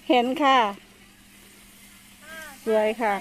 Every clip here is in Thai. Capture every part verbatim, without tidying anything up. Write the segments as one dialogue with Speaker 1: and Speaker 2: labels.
Speaker 1: เห็นค่ะสวยค่ะ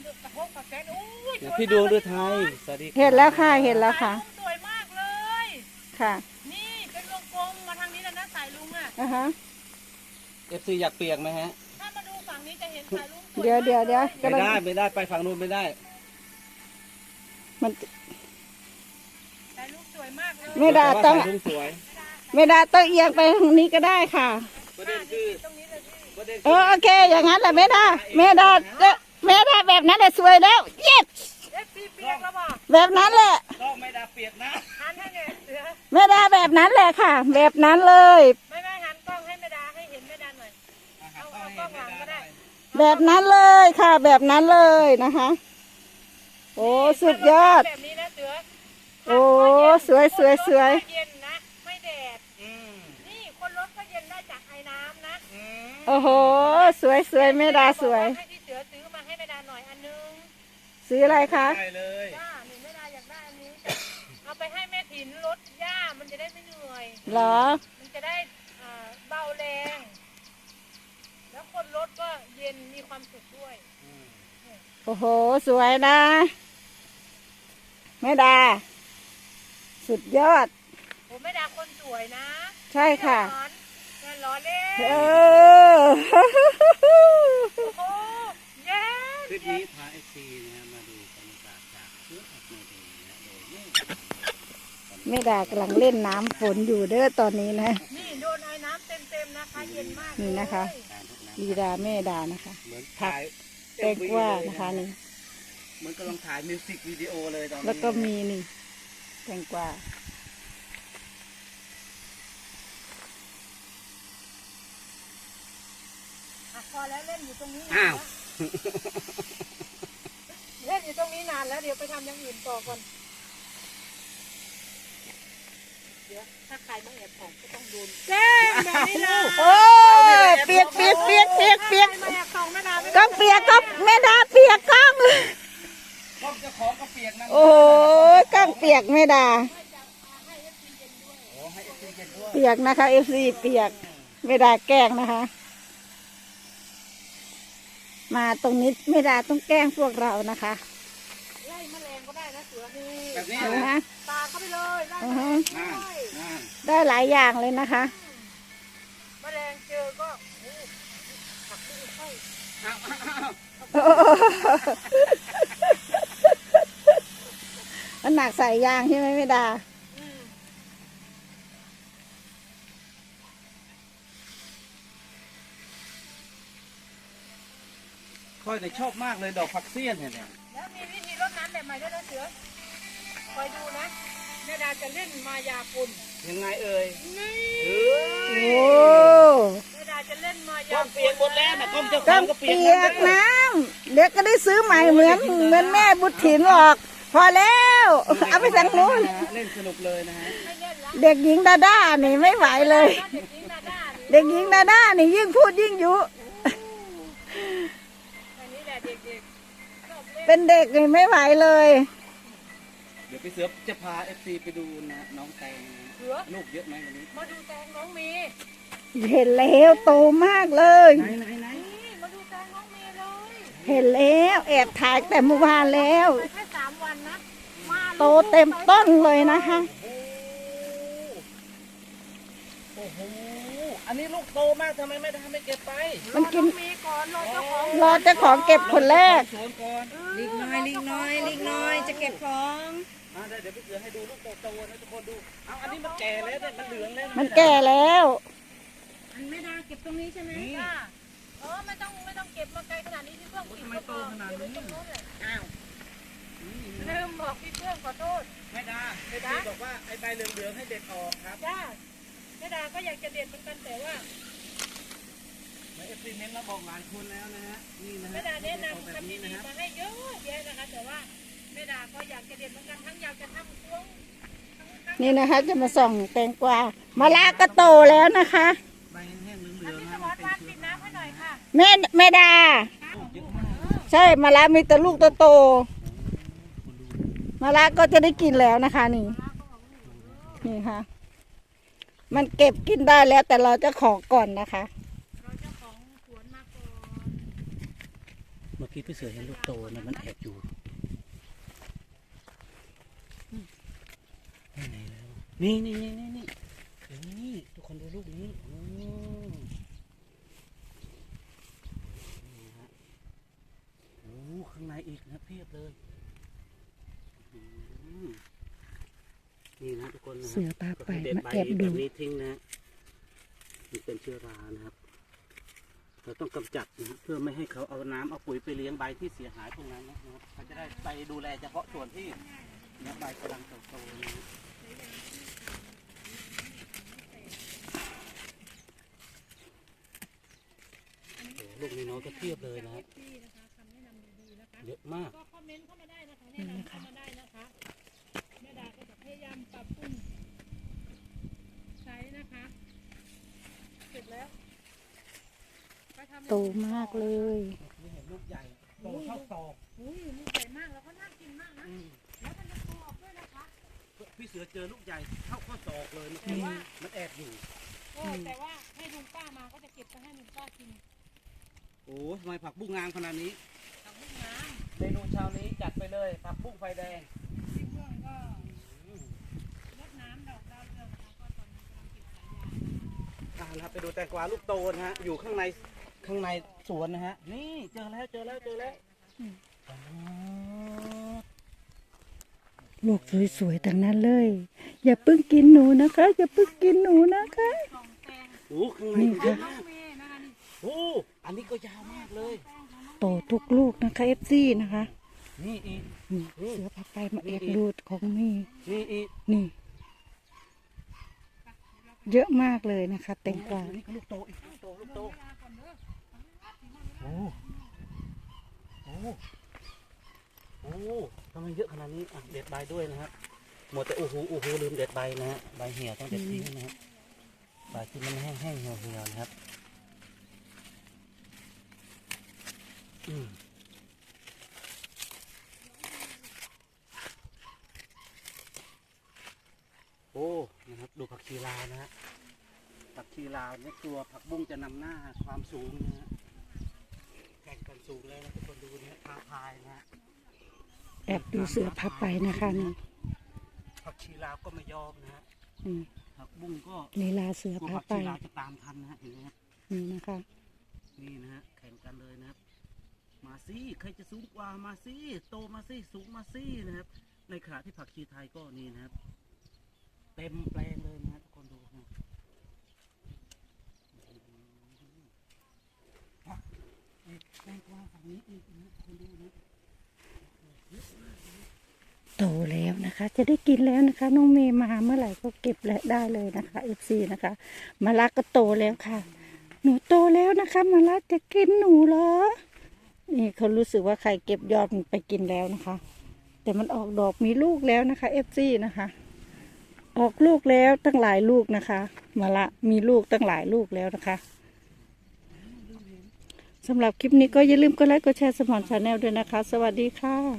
Speaker 2: พี่ดวงฤทัยสวัสดีครับ
Speaker 1: เห็นแล้วค่ะเห็นแล้วค่ะ
Speaker 3: สวยมากเลย
Speaker 1: ค่ะ
Speaker 3: นี่เป็นวงกลมมาทางนี้แล้วนะสายลุงอ่ะ
Speaker 1: อ่ะฮะ
Speaker 2: เอฟซีอยากเปียกไหมฮะ
Speaker 3: ถ้ามาดูฝั่งนี้จะเห็นสายลุงสวย
Speaker 1: เดี๋ยวเดี๋ยวเดี๋ยว
Speaker 2: ไม่ได้ไม่ได้ไปฝั่งนู้นไม่ได้
Speaker 1: มัน
Speaker 3: สายลุงสวยมากเลย
Speaker 1: ไม่ได้ต้อง
Speaker 2: แต่ว่าสายลุงสวย
Speaker 1: ไม่ได้ต้องเอียงไปทางนี้ก็ได้ค่ะ
Speaker 2: ประเด็นคือ
Speaker 3: ตรงนี้เลยพี่
Speaker 2: ประเด็น
Speaker 1: เออโอเคอย่างนั้นแหละไม่ได้ไม่ได้ไม่ได้แบบนั้นแหละสวยแล้วเย็ด
Speaker 3: เอฟซีเปียกแล้วบอก
Speaker 1: แบบนั้นแหละ
Speaker 2: ต้องไม่ได้เปียกนะ
Speaker 3: หันให้เนี่ยเสือ
Speaker 1: ไม่ได้แบบนั้นแหละค่ะ แบบนั้นเลย
Speaker 3: ไม่ไม่หันกล้องให้แม่ดาให้เห็นแม่ดาหน่อยเอาเอากล้องหลังก็ได้
Speaker 1: แบบนั้นเลยค่ะ แบบนั้นเลยนะคะ โอ้สุดยอด
Speaker 3: แบบนี้นะเสือ
Speaker 1: โอ้สวยสวยสวย
Speaker 3: เย็นนะไม่แดด
Speaker 2: อืม
Speaker 3: นี่คนรถก็เย็นได้จากไอ้น้ำนะ
Speaker 2: อืม
Speaker 1: โอ้โหสวยสวยแม่ดาสวย
Speaker 3: ให้พี่เสือซื้อมาให้แม่ดาหน่อยอันนึง
Speaker 1: ซื้ออะไรคะ
Speaker 2: ได้เลย
Speaker 3: จ้าหนูแม่ดาอยากได้อันนี้ เอาไปให้แม่ถิ่นรถหญ้ามันจะได้ไม่เหนื่อย
Speaker 1: เหรอ
Speaker 3: มันจะได้อ่าเบาแรง แล้วคนรถก็เย็นมีความสุขด้วย
Speaker 2: อืม
Speaker 1: โอ้โหสวยนะแม่ดา สุดยอด
Speaker 3: ผมแม่ดาคนสวยนะ
Speaker 1: ใช่ค่ะ
Speaker 3: ร้อนแม่ร้อนเล่น
Speaker 1: เออ
Speaker 3: โอ้โหเย็น
Speaker 2: คลิป
Speaker 3: เย็
Speaker 2: นี้
Speaker 3: น
Speaker 2: พาเอฟซีนะฮะมาดูบรรยากาศจากเชื้อผักในเดนะโดยไม่
Speaker 1: แม่ดากำลังเล่นน้ำฝนอยู่เด้อตอนนี้นะ
Speaker 3: นี่โดนไอ้น้ำเต็มๆนะคะ เย็นมาก
Speaker 1: นี่นะคะ
Speaker 2: การทุกน้ำ
Speaker 1: ดีดาแม่ดานะคะ
Speaker 2: เหมือนถ่าย
Speaker 1: แตงกวานะคะนี่
Speaker 2: เหมือนกำลังถ่ายมิวสิกวิดีโอเลยตอนนี้
Speaker 1: แล้วก็มีนี่แตงกวา
Speaker 3: อ่ะพอแล้วเล่นอยู่ตรงนี้นาน
Speaker 2: อ้าว
Speaker 3: แล้วเล่นอยู่ตรงนี้นานแล้วเดี๋ยวไปทำอย่างอื่นต่อก่อน เดี๋ยวถ้าใครมาแอบของก็ต้องโดนแจ้งแบบนี้นะ
Speaker 1: โอ้ยเปียกเปียกเปียกเปียกเปียก
Speaker 3: ใครมาแอบของแม่ดาไม่
Speaker 1: ก็เปียกก็แม่ดาเปียกก้อง
Speaker 2: กล้องเจ้าของก็เปียกนั่น
Speaker 1: โอ้ยก้องเปียกแม่ดา
Speaker 2: โอ้ให้เอฟซีเย็นด้วย
Speaker 1: เปียกนะคะเอฟซีเปียกแม่ดาแกล้งนะคะ มาตรงนี้แม่ดาต้องแกล้งพวกเรานะคะ
Speaker 3: ไล่แมลงก็ได้นะเสือนี่
Speaker 2: แบบนี้
Speaker 1: เห็นไหม
Speaker 2: นะ
Speaker 3: ปาเข้าไปเลยไล่
Speaker 1: อื
Speaker 3: แม
Speaker 1: อ
Speaker 3: ล
Speaker 1: ฮึ
Speaker 3: ง
Speaker 2: นั่น
Speaker 3: ด้วย
Speaker 2: นั่น
Speaker 1: ได้หลายอย่างเลยนะคะ
Speaker 3: แมลงเจอก็โอ้ผักที่ค่อย
Speaker 2: อ้าวอ้าวอ้าว
Speaker 1: มันหนักใส่ยางใช่ไหมแม่ดา
Speaker 3: อืม
Speaker 2: ค่อยเนี่ยชอบมากเลยดอกผักเสี้ยนเนี่ยเนี่ย
Speaker 3: แล้วมีวิธีรดน้ำแบบใหม่ด้วยนะเสือคอยดูนะแม่ดาจะเล่นมายากล
Speaker 2: ยังไงเอ่ย
Speaker 3: นี่
Speaker 2: เอ้ย
Speaker 1: โอ้
Speaker 3: แม่ดาจะเล่นมายาก
Speaker 2: ล้องเปียกหมดแล้วนะกล้องเจ้าข
Speaker 1: ก็
Speaker 2: องก็เปียก
Speaker 1: เปียกน้ำเด็กก็ได้ซื้อใหม่เหมือนเหมือนแม่บุตรถิ่นหรอก พอแล้วเอาไปสั่งนู้น
Speaker 2: เล่นสนุกเลยนะฮะ
Speaker 3: ไม่เล่นละ
Speaker 1: เด็กหญิงดาด้านี่ไม่ไหวเลย
Speaker 3: เด็กหญิงดาด้านี่
Speaker 1: เด็กหญิงดาด้านี่ยิ่งพูดยิ่งยุ
Speaker 3: อันนี้แหละเด็กๆชอบเล่น
Speaker 1: เป็นเด็กนี่ไม่ไหวเลย
Speaker 2: เดี๋ยวพี่เสือจะพาเอฟซีไปดูนะน้องแตงนะ
Speaker 3: เสือ
Speaker 2: ลูกเยอะไหมวันนี้
Speaker 3: มาดูแตงน้องเมย์
Speaker 1: เห็นแล้วโตมากเลย
Speaker 2: ไหนไหนไหน
Speaker 3: นี่มาดูแตงน้องเมย์เลย
Speaker 1: เห็นแล้วแอบถ่ายแต่เมื่อวานแล้ว
Speaker 3: ไปแค่สามวันนะมา
Speaker 1: โตเต็มต้นเลยนะคะ
Speaker 2: โอ้โหอันนี้ลูกโตมากทำไมไม่ทำไม่เก็บไป
Speaker 1: มันกิน
Speaker 3: รอองเมย์ก่อนรอเจ้าของ
Speaker 1: รอเจ้าของเก็บคนแรก
Speaker 2: สวนก่อน
Speaker 4: ลิกน้อยลิกน้อยลิกน้อยจะเก็บของ
Speaker 2: มาได้เดี๋ยวพี่เสือให้ดูลูกโตๆนะทุกคนดูเอาอันนี้มันแก่แล้วเนี่ยมันเหลืองแล้วะ
Speaker 1: มันแก่แล้ว
Speaker 4: อันไม่ได้เก็บตรงนี้ใช่ไหม
Speaker 2: นี่
Speaker 3: จ้าเออไม่ต้องไม่ต้องเก็บมาไกลขนาดนี้พี่เพื่อนกินก็พอเก็บไว้ตรงโน้นเลย
Speaker 2: อ้าว
Speaker 3: ลืมบอกพี่เพื่อนขอโทษ
Speaker 2: แม่ดาแม่ดาบอกว่าไอ้ใบเหลืองๆให้เด็ดออกครับ
Speaker 3: จ้าแม่ดาก็อยากจะเด็ดเหมือนกันแต่ว่า
Speaker 2: เอฟซีเมนต์มาบอกหลายคนแล้วนะฮะนี่นะฮะ
Speaker 3: แม่ดาแนะ
Speaker 2: เด็ดออก
Speaker 3: นำ
Speaker 2: แบบ
Speaker 3: คำ
Speaker 2: นี้
Speaker 3: ดี
Speaker 2: นะ
Speaker 3: ๆ
Speaker 2: ครับ
Speaker 3: มาให้เยอะแยะนะคะแต่ว่าแม่ดาก็อยากจะเด็ดเหมือนกันทั้งอยากจะทำพวงทั้ง
Speaker 1: นี่นะคะ จะมาส่องแตงกวามะละก็โตแล้วนะคะ
Speaker 2: ใบแห้งๆเหลือง
Speaker 3: พี่
Speaker 2: ๆ
Speaker 3: ส
Speaker 2: นะ
Speaker 3: ม
Speaker 2: มั
Speaker 3: อน
Speaker 2: เป็น
Speaker 3: วาน
Speaker 2: เชื้
Speaker 3: ปิ
Speaker 2: อ
Speaker 3: ดน้ำให้หน่อยค่ะ
Speaker 1: แม่แม่ดา
Speaker 2: ปลูกเยอะมาก
Speaker 1: ใช่มะละมีแต่ลูกโตๆมะละก็จะได้กินแล้วนะคะ นี่ นี่ค่ะ มันเก็บกินได้แล้วแต่เราจะขอก่อนนะคะ
Speaker 3: เราเจ้าของสวนมา
Speaker 2: มื่อกี้พี่เสือเห็นลูกโตนะมันแอบอยู่ไปไหนแล้วนี่นี่นี่นี่นี่นี่ทุกคนดูลูกนี้โอ้นี่ฮะโอ้ข้างในอีกนะเพียบเลยอืมนี่นะทุกคนนะ
Speaker 1: เสือพาไป
Speaker 2: เด็ด
Speaker 1: มา
Speaker 2: ใบ
Speaker 1: แอบดู
Speaker 2: แบบนี้ทิ้งนะมันเป็นเชื้อรานะครับเราต้องกำจัดนะเพื่อไม่ให้เขาเอาน้ำเอาปุ๋ยไปเลี้ยงใบที่เสียหายตรงนั้นนะครับเขาจะได้ไปดูแลเฉพาะส่วนที่เนื้อใบกำลังเติบโตนะโอ้ลูกน้อยๆก็เทียบเลยนะครับ
Speaker 3: ที่นะคะคำแนะนำดีๆนะคะ
Speaker 2: เยอะมาก
Speaker 3: ก็คอมเมนต์เข้ามาได้นะคะแนะนำเข้ามาได้นะคะแม่ดาก็จะพยายามปรับปรุงใช้นะคะเสร็จแล้วไปทำ
Speaker 1: โตมากเลย
Speaker 2: นี่เห็นลูกใหญ่โตเท่าศอก
Speaker 3: อุ้ยลูกใหญ่มากแล้วก็น่ากินมากนะ
Speaker 2: อืม
Speaker 3: แล้วมันจะกรอบด้วยนะคะ
Speaker 2: พี่เสือเจอลูกใหญ่เท่าข้อศอกเลยเมื่อกี้มันแอบอยู่
Speaker 3: โอ้แต่ว่าให้ลุงป้ามาก็จะเก็บไปให้ลุงป้ากิน
Speaker 2: โอ้ทำไมผักบุ้งงามขนาดนี้
Speaker 3: ทำลูกน้
Speaker 2: เมนูเช้านี้จัดไปเลยผักบุ้งไฟแดง
Speaker 3: ำที่เพื่อนก็รดน้ำดอกดาวเรืองนะคะก็ตอนนี้กำลังเก็บสายยาง
Speaker 2: อ่านะครับไปดูแตงกวาลูกโตนะฮะอยู่ข้างในข้างในสวนนะฮะนี่เจอแล้วเจอแล้วเจอแล้วอ๋อ
Speaker 1: ลูกสวยๆทั้งนั้นเลย อย่าเพิ่งกินหนูนะคะ อย่าเพิ่งกินหนูนะคะ
Speaker 3: กล่องแตง
Speaker 2: โอ้ข้างใน
Speaker 1: นี่
Speaker 2: เย
Speaker 1: ค่ะ
Speaker 2: อะ
Speaker 3: น้อ
Speaker 2: มาง ก
Speaker 3: เมย์นะคะนี่
Speaker 2: โอ้อันนี้ก็ยาวมากเลย
Speaker 1: โตทุกลูกนะคะเอฟซีนะคะ
Speaker 2: นี่อีก
Speaker 1: นี่เสือพาไปมาแอบดูของนี่
Speaker 2: นี่อีก
Speaker 1: นี่ เยอะมากเลยนะคะแตงกวา
Speaker 2: อันนี้ก็ลูกโตอีกลูกโตลูกโตโอ้โอ้โอ้ทำไมเยอะขนาดนี้อ่ะเด็ดใบด้วยนะครับหมดแต่โอ้โหโอ้โหลืมเด็ดใบนะฮะใบเหี่ยวต้องเด็ดทิ้งนะฮะใบที่มันแห้งๆเหี่ยวๆนะครับอืมโอ้นะครับดูผักชีลาวนะฮะผักชีลาวเนี่ยตัวผักบุ้งจะนำหน้าความสูงนะฮะแข่งกันสูงเลยนะทุกคนดูนะท้าทายนะฮะ
Speaker 1: แอบดูเสือพาไปนะคะนี่
Speaker 2: ผักชีลาวก็ไม่ยอมนะฮะ
Speaker 1: อืม
Speaker 2: ผักบุ้งก็
Speaker 1: ลีลาเสือก
Speaker 2: ลัว
Speaker 1: พา
Speaker 2: ผัก
Speaker 1: ไป
Speaker 2: ชีลาวจะตามทันนะฮะเห็นไหมฮะ
Speaker 1: นี่นะคะ
Speaker 2: นี่นะฮะแข่งกันเลยนะครับมาสิใครจะสูงกว่ามาสิโตมาสิสูงมาสินะครับในขณะที่ผักชีไทยก็นี่นะครับเต็มแปลงเลยนะฮะทุกคนดูนะผักอีกแตงกวาฝั่งนี้อีกนะทุกคนดูนะ
Speaker 1: โตแล้วนะคะ จะได้กินแล้วนะคะ น้องเมย์มาเมื่อไหร่ก็เก็บและได้เลยนะคะเอฟซีนะคะมาลักก็โตแล้วค่ะ หนูโตแล้วนะคะมาลักจะกินหนูเหรอนี่เขารู้สึกว่าใครเก็บยอดมันไปกินแล้วนะคะ แต่มันออกดอกมีลูกแล้วนะคะเอฟซีนะคะ ออกลูกแล้วตั้งหลายลูกนะคะมาละมีลูกตั้งหลายลูกแล้วนะคะสำหรับคลิปนี้ก็อย่าลืมกดไลค์กดแชร์สมอนชาแนลด้วยนะคะ สวัสดีค่ะ